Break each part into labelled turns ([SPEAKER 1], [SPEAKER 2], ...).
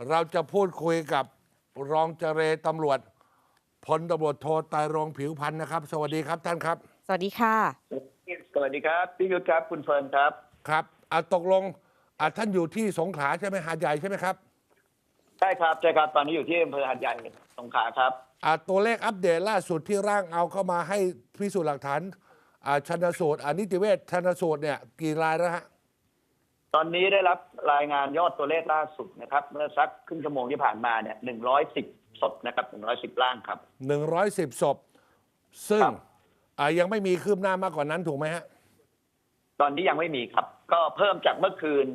[SPEAKER 1] เราจะพูดคุยกับรองเจรตำรวจพลตำรวจโทไตรรงค์ผิวพันธ์นะครับสวัสดีครับท่านครับ
[SPEAKER 2] สวัสดีค่ะ
[SPEAKER 3] สวัสดีครับพี่ยุทธครับคุณเฟิร์นครับ
[SPEAKER 1] ครับตกลงท่านอยู่ที่สงขลาใช่ไหมหาดใหญ่ใช่ไหมครับ
[SPEAKER 3] ใช่ครับตอนนี้อยู่ที่อำเภอหาดใหญ่สงขลาครับ
[SPEAKER 1] ตัวเลขอัปเดตล่าสุดที่ร่างเอาเข้ามาให้พิสูจน์หลักฐานชันสูตรนิติเวชชันสูตรเนี่ยกี่รายแล้วฮะ
[SPEAKER 3] ตอนนี้ได้รับรายงานยอดตัวเลขล่าสุดนะครับเมื่อสักครึ่งชั่วโมงที่ผ่านมาเนี่ย110 ศพนะครับ110 ร่างครับ
[SPEAKER 1] 110 ศพซึ่งยังไม่มีคืบหน้ามากกว่านั้นถูกไหมฮะ
[SPEAKER 3] ตอนนี้ยังไม่มีครับก็เพิ่มจากเมื่อคืน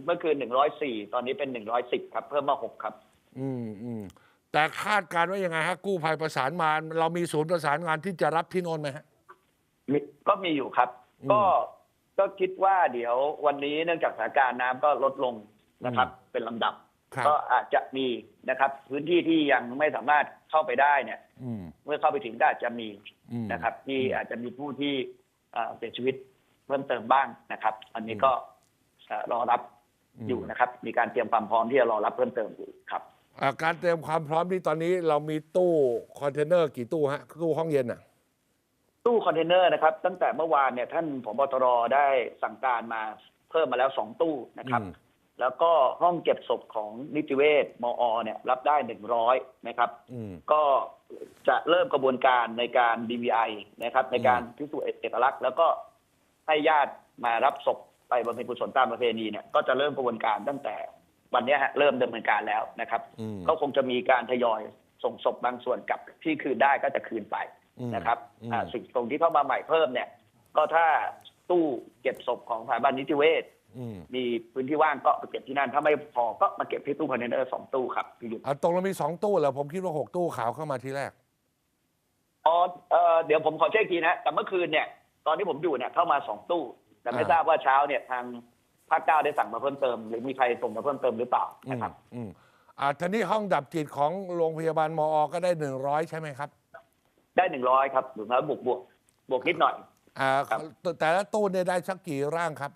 [SPEAKER 3] 104ตอนนี้เป็น110ครับเพิ่มมา6ครับ
[SPEAKER 1] แต่คาดการณ์ว่ายังไงฮะกู้ภัยประสานมาเรามีศูนย์ประสานงานที่จะรับที่โน่นไหมฮะ
[SPEAKER 3] ก็มีอยู่ครับก็คิดว่าเดี๋ยววันนี้เนื่องจากสถานการณ์น้ำก็ลดลงนะครับเป็นลำดับก็อาจจะมีนะครับพื้นที่ที่ยังไม่สามารถเข้าไปได้เนี่ยเมื่อเข้าไปถึงก็อาจจะมีนะครับที่อาจจะมีผู้ที่เสียชีวิตเพิ่มเติมบ้างนะครับอันนี้ก็รอรับอยู่นะครับมีการเตรียมความพร้อมที่จะรอรับเพิ่มเติมอยู่ครับ
[SPEAKER 1] การเตรียมความพร้อมที่ตอนนี้เรามีตู้คอนเทนเนอร์กี่ตู้ฮะตู้ห้องเย็นอ่ะ
[SPEAKER 3] ตู้คอนเทนเนอร์นะครับตั้งแต่เมื่อวานเนี่ยท่านผบ.ตร.ได้สั่งการมาเพิ่มมาแล้ว2 ตู้นะครับแล้วก็ห้องเก็บศพของนิติเวชมอ.เนี่ยรับได้100นะครับก็จะเริ่มกระบวนการในการ DVI นะครับในการพิสูจน์เอกลักษณ์แล้วก็ให้ญาติมารับศพไปบำเพ็ญกุศลตามประเพณีเนี่ยก็จะเริ่มกระบวนการตั้งแต่วันนี้เริ่มดำเนินการแล้วนะครับก็คงจะมีการทยอยส่งศพบางส่วนกลับที่คืนได้ก็จะคืนไปนะครับสิ่งตรงที่เข้ามาใหม่เพิ่มเนี่ยก็ถ้าตู้เก็บศพของสถาบันนิติเวชมีพื้นที่ว่างก็ไปเก็บที่นั่นถ้าไม่พอก็มาเก็บที่ตู้คอนเทนเนอร์2 ตู้ครับพี่ยุทธ
[SPEAKER 1] ตรงเรามี2 ตู้เหรอผมคิดว่า6 ตู้ขาวเข้ามาทีแรก
[SPEAKER 3] เดี๋ยวผมขอเช็คทีนะแต่เมื่อคืนเนี่ยตอนที่ผมอยู่เนี่ยเข้ามา2 ตู้แต่ไม่ทราบว่าเช้าเนี่ยทางภาค 9ได้สั่งมาเพิ่มเติมหรือมีใครส่งมาเพิ่มเติมหรือเปล่านะครับ
[SPEAKER 1] ทีนี้ห้องดับจิตของโรงพยาบาลมอ.ก็ได้100ใช่ไหมครับ
[SPEAKER 3] ได้100ครับหรือแล้วบวกนิดหน่อย
[SPEAKER 1] แต่ละตู้เนี่ยได้สักกี่ร่างครับ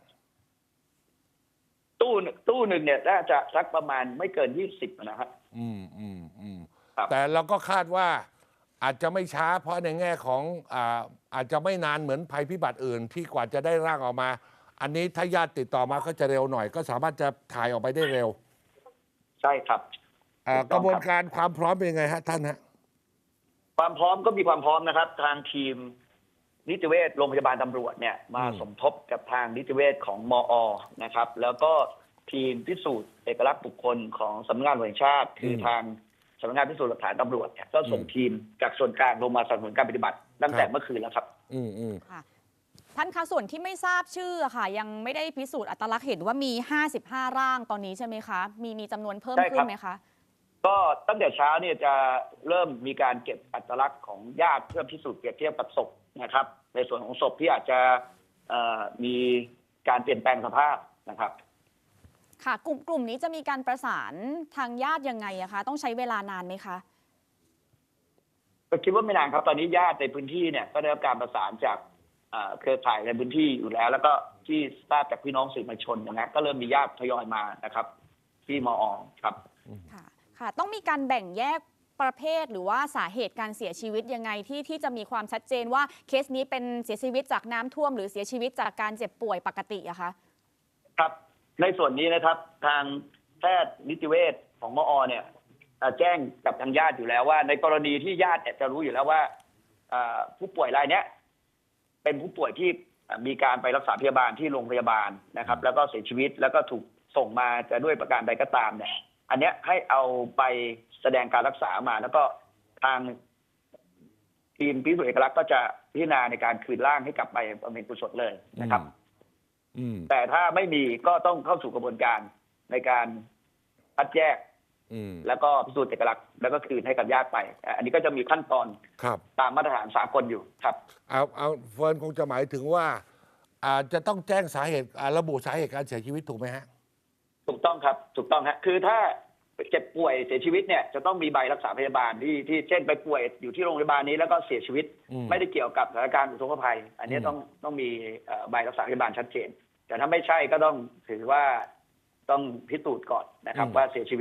[SPEAKER 3] ตู้หนึ่งเนี่ยน่าจะสักประมาณไม่เกิน20นะครับ
[SPEAKER 1] แต่เราก็คาดว่าอาจจะไม่ช้าเพราะในแง่ของอาจจะไม่นานเหมือนภัยพิบัติอื่นที่กว่าจะได้ร่างออกมาอันนี้ถ้าญาติติดต่อมาก็จะเร็วหน่อยก็สามารถจะถ่ายออกไปได้เร็ว
[SPEAKER 3] ใช่ครับ
[SPEAKER 1] กระบวนการความพร้อมเป็นยังไงฮะท่านฮะ
[SPEAKER 3] ความพร้อมก็มีความพร้อมนะครับทางทีมนิติเวชโรงพยาบาลตำรวจเนี่ยมาสมทบกับทางนิติเวชของมอ.นะครับแล้วก็ทีมพิสูจน์เอกลักษณ์บุคคลของสำนักงานตำรวจแห่งชาติคือทางสำนักงานพิสูจน์หลักฐานตำรวจเนี่ยก็ส่งทีมจากส่วนกลางลงมาสนับสนุนการปฏิบัติตั้งแต่เมื่อคืนแล้วครับ
[SPEAKER 2] ท่านคะส่วนที่ไม่ทราบชื่อค่ะยังไม่ได้พิสูจน์อัตลักษณ์เห็นว่ามี55 ร่างตอนนี้ใช่ไหมคะมีจำนวนเพิ่มขึ้นไหมคะ
[SPEAKER 3] ก็ตั้งแต่เช้าเนี่ยจะเริ่มมีการเก็บอัตลักษณ์ของญาติเพื่อพิสูจน์เปรียบเทียบกับศพนะครับในส่วนของศพที่อาจจะมีการเปลี่ยนแปลงสภาพนะครับ
[SPEAKER 2] ค่ะกลุ่มนี้จะมีการประสานทางญาติยังไงอะคะต้องใช้เวลานานไหมคะ
[SPEAKER 3] ก็คิดว่าไม่นานครับตอนนี้ญาติในพื้นที่เนี่ยก็ได้รับการประสานจากเครือข่ายในพื้นที่อยู่แล้วก็ที่ทราบจากพี่น้องสื่อมวลชนนะก็เริ่มมีญาติทยอยมานะครับที่มอ.ครับ
[SPEAKER 2] ค่ะต้องมีการแบ่งแยกประเภทหรือว่าสาเหตุการเสียชีวิตยังไงที่จะมีความชัดเจนว่าเคสนี้เป็นเสียชีวิตจากน้ำท่วมหรือเสียชีวิตจากการเจ็บป่วยปกติอะคะ
[SPEAKER 3] ครับในส่วนนี้นะครับทางแพทย์นิติเวชของมอ.เนี่ยแจ้งกับทางญาติอยู่แล้วว่าในกรณีที่ญาติจะรู้อยู่แล้วว่าผู้ป่วยรายนี้เป็นผู้ป่วยที่มีการไปรักษาพยาบาลที่โรงพยาบาลนะครับแล้วก็เสียชีวิตแล้วก็ถูกส่งมาจะด้วยประการใดก็ตามเนี่ยอันนี้ให้เอาไปแสดงการรักษามาแล้วก็ทางทีมพิสูจน์เอกลักษณ์ก็จะพิจารณาในการคืนร่างให้กลับไปบำเพ็ญกุศลเลยนะครับแต่ถ้าไม่มีก็ต้องเข้าสู่กระบวนการในการคัดแยกแล้วก็พิสูจน์เอกลักษณ์แล้วก็คืนให้กับญาติไปอันนี้ก็จะมีขั้นตอนตามมาตรฐานสากลอยู่ครับ
[SPEAKER 1] เอาเฟิร์นคงจะหมายถึงว่าจะต้องแจ้งสาเหตุระบุสาเหตุการเสียชีวิตถูกไหมฮะ
[SPEAKER 3] ถูกต้องครับถูกต้องฮะคือถ้าเจ็บป่วยเสียชีวิตเนี่ยจะต้องมีใบรักษาพยาบาลที่เช่นไปป่วยอยู่ที่โรงพยาบาลนี้แล้วก็เสียชีวิตไม่ได้เกี่ยวกับสถานการณ์อุทกภัยอันนี้ต้องมีใบรักษาพยาบาลชัดเจนแต่ถ้าไม่ใช่ก็ต้องถือว่าต้องพิสูจน์ก่อนนะครับว่าเสียชีวิต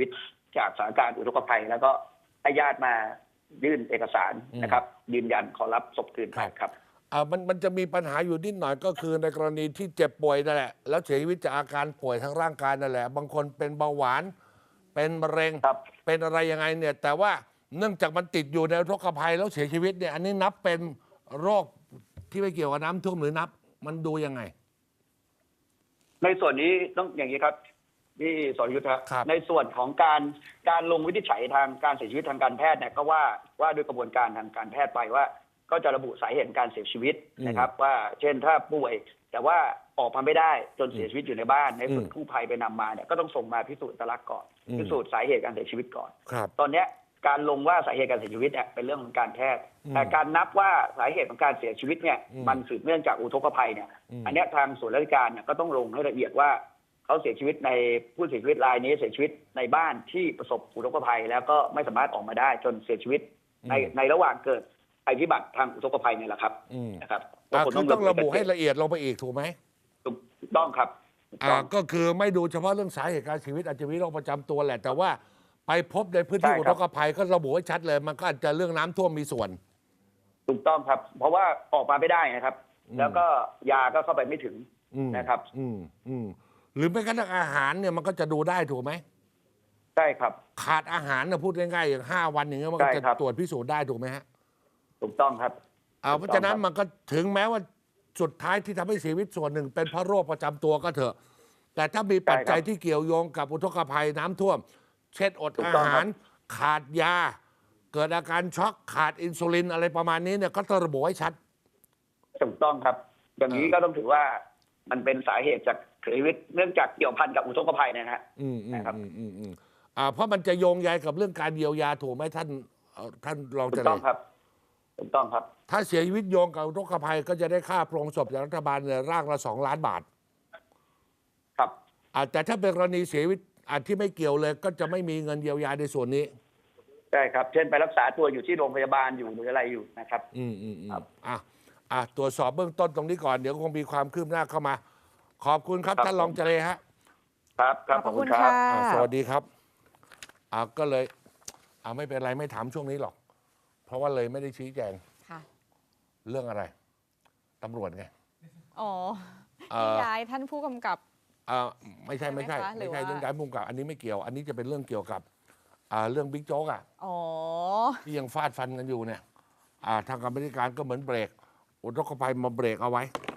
[SPEAKER 3] จากสถานการณ์อุทกภัย แล้วก็ให้ญาติมายื่นเอกสารนะครับ ยืนยันขอรับศพคืนไปครับ
[SPEAKER 1] มันจะมีปัญหาอยู่นิดหน่อยก็คือในกรณีที่เจ็บป่วยนั่นแหละแล้วเสียชีวิตจากอาการป่วยทางร่างกายนั่นแหละบางคนเป็นเบาหวานเป็นมะเร็ง
[SPEAKER 3] ครับ
[SPEAKER 1] เป็นอะไรยังไงเนี่ยแต่ว่าเนื่องจากมันติดอยู่ในอุทกภัยแล้วเสียชีวิตเนี่ยอันนี้นับเป็นโรคที่ไม่เกี่ยวกับน้ำท่วมหรือนับมันดูยังไง
[SPEAKER 3] ในส่วนนี้ต้องอย่างนี้ครับพี่สรยุทธ
[SPEAKER 1] ครับ
[SPEAKER 3] ในส่วนของการลงวินิจฉัยทางการเสียชีวิตทางการแพทย์เนี่ยก็ว่าด้วยกระบวนการทางการแพทย์ไปว่า ก็จะระบุสาเหตุการเสียชีวิตนะครับ ว่าเช่นถ้าป่วย แต่ว่าออกมาไม่ได้จนเสียชีวิตอยู่ในบ้านในส่วนกู้ภัยไปนำมาเนี่ยก็ต้องส่งมาพิสูจน์อัตลักษณ์ก่อนพิสูจน์สาเหตุการเสียชีวิตก่อน
[SPEAKER 1] ครับ
[SPEAKER 3] ตอนเนี้ยการลงว่าสาเหตุการเสียชีวิตเนี่ยเป็นเรื่องของการแพทย์แต่การนับว่าสาเหตุของการเสียชีวิตเนี่ยมันสืบเนื่องจากอุทกภัยเนี่ยอันเนี้ยทางส่วนราชการเนี่ยก็ต้องลงให้ละเอียดว่าเขาเสียชีวิตในผู้เสียชีวิตรายนี้เสียชีวิตในบ้านที่ประสบอุทกภัย แล้วก็ไม่สามารถออกมาได้จนเสียชีวิตในระหว่างเกิดภัยพิบัติทางอุทกภัยเนี่ยแหละครับนะครับ
[SPEAKER 1] คือต้องระบุให้ละเอียดลงไปอีกถูกไหม
[SPEAKER 3] ถูกต้องครับถูกต้อง
[SPEAKER 1] ก็คือไม่ดูเฉพาะเรื่องสาเหตุการเสียชีวิตอาจจะมีโรคประจำตัวแหละ แต่ว่าไปพบในพื้นที่
[SPEAKER 3] ใช่
[SPEAKER 1] อุ
[SPEAKER 3] ครั
[SPEAKER 1] ท
[SPEAKER 3] บ
[SPEAKER 1] กภัยก็ระบุให้ชัดเลย มันก็อาจจะเรื่องน้ำท่วมมีส่วน
[SPEAKER 3] ถูกต้องครับ เพราะว่าออกมาไม่ได้นะครับ แล้วก็ยาก็เข้าไปไม่ถึงนะครับ
[SPEAKER 1] หรือแม้กระทั่งอาหารเนี่ยมันก็จะดูได้ถูกไหม
[SPEAKER 3] ใช่ครับ
[SPEAKER 1] ขาดอาหารนะพูดง่ายๆอย่าง5 วันอย่างเงี้ยมันก็
[SPEAKER 3] ใช่
[SPEAKER 1] จะ
[SPEAKER 3] ครับ
[SPEAKER 1] ตรวจพิสูจน์ได้ถูกไหมฮะ
[SPEAKER 3] ถูกต้องครับ
[SPEAKER 1] เพราะฉะนั้นมันก็ถึงแม้ว่าสุดท้ายที่ทำให้เสียชีวิตส่วนหนึ่งเป็นเพราะโรคประจำตัวก็เถอะ แต่ถ้ามีปัจจัยที่เกี่ยวโยงกับอุทกภัยน้ำท่วม เช่นอดอาหาร ขาดยา เกิดอาการช็อกขาดอินซูลินอะไรประมาณนี้เนี่ยก็ต้องระบุให้ชัด
[SPEAKER 3] ถูกต้องครับ อย่างนี้ก็ต้องถือว่ามันเป็นสาเหตุจากเสียชีวิตเนื่องจากเกี่ยวพันกับอุทกภัยนะฮะนะครับ
[SPEAKER 1] เพราะมันจะโยงใยกับเรื่องการเยียวยาถูกไหมท่านรอง
[SPEAKER 3] ถู
[SPEAKER 1] เจ
[SPEAKER 3] ก
[SPEAKER 1] ริ
[SPEAKER 3] ต้อง
[SPEAKER 1] ญ
[SPEAKER 3] ครับถูกต้องครับ
[SPEAKER 1] ถ้าเสียชีวิตโยงกับอุทกภัยก็จะได้ค่าโปรงศพจากรัฐบาลเนี่ยร่างละ2 ล้านบาท
[SPEAKER 3] ครับ
[SPEAKER 1] แต่ถ้าเป็นกรณีเสียชีวิตที่ไม่เกี่ยวเลย ก็จะไม่มีเงินเยียวยาในส่วนนี้
[SPEAKER 3] ใช่ครับ เช่นไปรักษาตัวอยู่ที่โรงพยาบาลอยู่หรืออะไรอยู่นะครับ ครับ
[SPEAKER 1] ตรวจสอบเบื้องต้นตรงนี้ก่อนเดี๋ยวคงมีความคืบหน้าเข้ามา ขอบคุณครับ
[SPEAKER 3] ครับ
[SPEAKER 1] ท่านรองเจริญฮะ
[SPEAKER 3] ครับครับขอบคุณครับ
[SPEAKER 1] สวัสดีครับก็เลยไม่เป็นไรไม่ถามช่วงนี้หรอก เพราะว่าเลยไม่ได้ชี้แจง
[SPEAKER 2] ค่ะ
[SPEAKER 1] เรื่องอะไรตำรวจไง
[SPEAKER 2] อ๋อที่ย้ายท่านผู้กำกับ
[SPEAKER 1] ไม่ใช่
[SPEAKER 2] ใช่ไหมคะหรือว่า
[SPEAKER 1] เรื่องย้ายมุมกับอันนี้ไม่เกี่ยว อันนี้จะเป็นเรื่องเกี่ยวกับเรื่องบิ๊กโจ๊ก
[SPEAKER 2] อ๋อ
[SPEAKER 1] ที่ยังฟาดฟันกันอยู่เนี่ยทางกรรมาธิการก็เหมือนเบรกอุทกภัยมาเบรกเอาไว้